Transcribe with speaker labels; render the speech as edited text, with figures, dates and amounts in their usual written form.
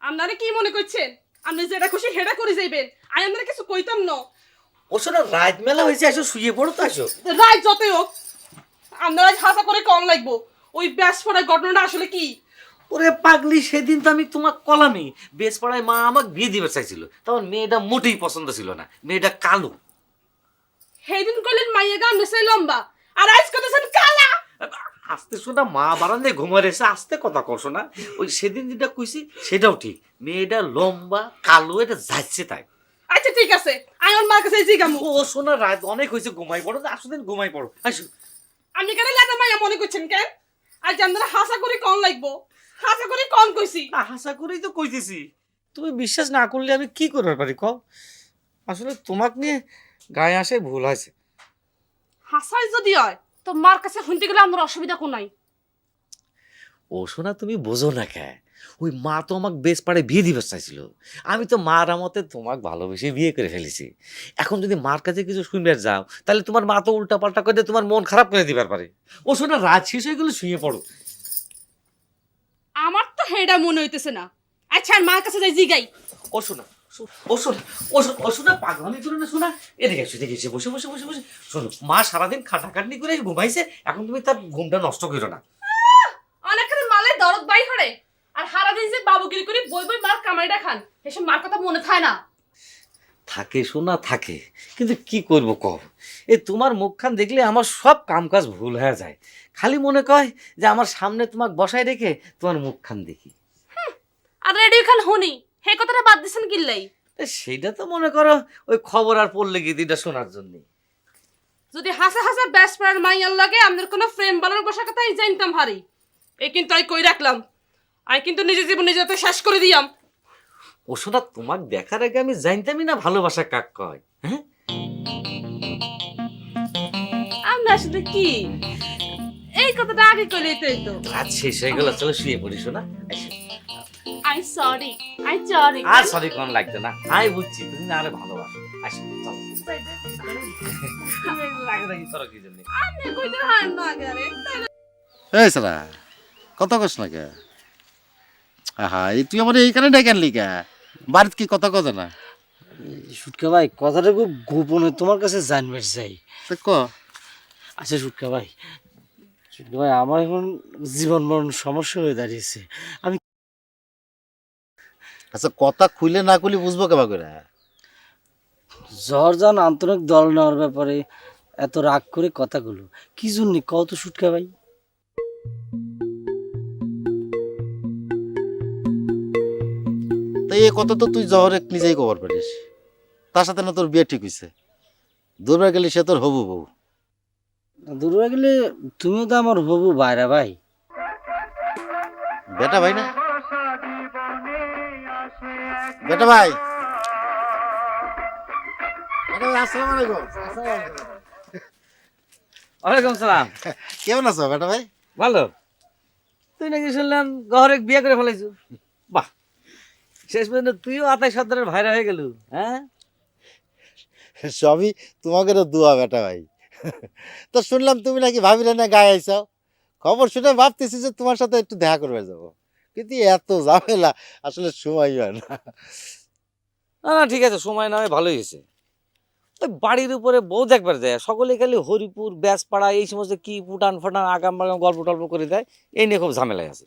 Speaker 1: আপনারা কি মনে করছেন আপনি যেটা খুশি হেডা করে যাইবেন আমি আপনারা কিছু কইতাম না।
Speaker 2: ও শোনা রাত মেলা হয়েছে, আসো শুয়ে পড়ো তো আসো।
Speaker 1: রায় যতই হোক আপনারা হাসা করে কম লাগবো। ওই ব্যাস পড়ার ঘটনাটা আসলে কি?
Speaker 2: ওরে পাগলি, সেদিন তো আমি তোমার কলামি বেশ পড়ায় মা আমাকে বিয়ে দিবে চাইছিল, তখন মেয়েটা মোটেই পছন্দ ছিল না, মেয়েটা কালো।
Speaker 1: সেইদিন করলেন মাইয়া গান নেছে লম্বা, আর আজ করতেছেন কালা।
Speaker 2: আস্তে শোনা, মা বারান্দায় ঘুমার এসে আস্তে কথা কশো না। ওই সেদিন যেটা কইছি সেটাও ঠিক, মেয়েটা লম্বা কালো, এটা যাচ্ছে তাই।
Speaker 1: আচ্ছা ঠিক আছে, আমি ওর মার কাছে জিগামু।
Speaker 2: ও শোনা, রাত অনেক হয়েছে, ঘুমাই পড়ো না, আসো দিন ঘুমাই পড়ো আসো।
Speaker 1: আপনি কেন লেটা মাইয়া মনে করছেন কেন? আজ আপনারা হাসা করে কম লাগবো, হাসা করে কম কইছি।
Speaker 2: আশা করেই তো কইতেছি, তুমি বিশ্বাস না করলে আমি কি করতে পারি কও। আসলে তোমাকে নিয়ে গায়ে আসে ভুল হয়েছে।
Speaker 1: হাসাই যদি হয় তো মার কাছে শুনতে গেলে আমার অসুবিধা কোন নাই।
Speaker 2: ও শোনা, তুমি বোঝো না কে, ওই মা তো আমাকে বেশ পাড়ে বিয়ে দিবে চাইছিল, আমি তো মার আমতে তোমাকে ভালোবেসে বিয়ে করে ফেলেছি। এখন যদি মার কাছে কিছু শুনবে যাও, তাহলে তোমার মা তো উল্টা পাল্টা করে দিয়ে তোমার মন খারাপ করে দিবার পারে। ও শোনা, রাত শেষ হয়ে গেলে শুয়ে পড়ো।
Speaker 1: আমার তো হেডা মনে হইতেছে না। আচ্ছা আর মার কাছে যাই জিগাই।
Speaker 2: ও শোনা, ও শোনা, ও শোনা, পাগলামি করে না শোনা, এদিকে এসে দেখে এসে বসে বসে বসে বসে শোনো, মা সারাদিন খাটাখাটনি করে ঘুমাইছে, এখন তুমি তার ঘুমটা নষ্ট করো না।
Speaker 1: অনেকখানি মালে দরদ বাই হরে, আর সারাদিন যে বাবুগিরি করে বই বই মার কামাইটা খান, এসব মার কথা মনে থাকে না।
Speaker 2: থাকে শোনা থাকে, কিন্তু কি করব কব, এই তোমার মুখখান দেখলে আমার সব কামকাজ ভুল হয়ে যায়, খালি মনে কয় যে আমার সামনে তোমাকে বসায় রেখে তোমার মুখখান দেখি।
Speaker 1: আর রেডিও খান হুনি, হে কথাটা বাদ দিছেন কিল্লাই?
Speaker 2: সেইটা তো মনে করো ওই খবর আর পড়লে গীতিটা শোনার জন্য।
Speaker 1: যদি হাসা হাসা ব্যাস পড়ার মাইয়ার লাগে আমাদের কোনো ফ্রেম বানানোর বসার কথাই জানতাম হারি। এই কিন্তু আমি কই রাখলাম, আমি কিন্তু নিজের জীবন নিজে তো শেষ করে দিয়াম।
Speaker 2: ও শোনা, তোমাকে দেখার আগে আমি জানতামই না ভালোবাসা কাক কয়। হ্যাঁ,
Speaker 1: আমরা আসলে কি এই কথাটা আগে কইলেই তো হইতো।
Speaker 2: রাত শেষ হয়ে গেল, চলো শুয়ে পড়ি শোনা।
Speaker 1: I sorry, I sorry.
Speaker 2: আর সরি কোন লাগতো না, আমি বুঝছি তুমি না আরে ভালোবাসো। আসো চলো। রাগারাগি করো কি জন্য?
Speaker 1: আপনি কইতে হার না আগে।
Speaker 3: এই সালা কথা কস না কে? আহা, এই তুই আমার এইখানে ডেকে আনলি কে? বাড়িতে কি কথা কথা না?
Speaker 4: সুটকা ভাই, কথাটা খুব গোপনে তোমার কাছে জানবে চাই।
Speaker 3: তা ক।
Speaker 4: আচ্ছা সুটকা ভাই, আমার এখন জীবন মরণ সমস্যা হয়ে দাঁড়িয়েছে। আমি
Speaker 3: আচ্ছা, কথা খুলে না খুলে বুঝবো কেবা করে?
Speaker 4: জর্জান আন্তরিক দল নেওয়ার ব্যাপারে এত রাগ করে কথাগুলো কি জন্য কত সুটকা ভাই?
Speaker 3: তাই এই কথা তো তুই জহরে নিজেই খবর পারিস, তার সাথে না তোর বিয়ে ঠিক হয়েছে, দূরবার গেলে সে তোর হবু বউ।
Speaker 4: দূরে গেলে তুমিও তো আমার হবু বাইরা ভাই।
Speaker 3: বেটা ভাই না? বেটা ভাই, বেটা ভাই, আসসালামু আলাইকুম।
Speaker 2: ওয়ালাইকুম সালাম।
Speaker 3: কেমন আছো বেটা ভাই?
Speaker 2: ভালো। তুই নাকি শুনলাম গহরে বিয়ে করে ফেলাইছু? বাহ, শেষ পর্যন্ত তুইও আতাই সর্দারের ভাইরা হয়ে গেলু। হ্যাঁ,
Speaker 3: সবই তোমাকে তো দোয়া বেটা ভাই। তো শুনলাম তুমি নাকি ভাবিলে না গায়ে আইসাও, খবর শুনে ভাবতেছি যে তোমার সাথে একটু দেখা করবে যাবো, কিন্তু এত ঝামেলা আসলে সময় হয় না।
Speaker 2: না না ঠিক আছে, সময় না হয় ভালোই হয়েছে। ওই বাড়ির উপরে বউ দেখবার যায়, সকলে খালি হরিপুর ব্যাসপাড়া এই সমস্ত কি ফুটান ফাটান আগাম বাগাম গল্প টল্প করে দেয়, এই নিয়ে খুব ঝামেলায় আছে।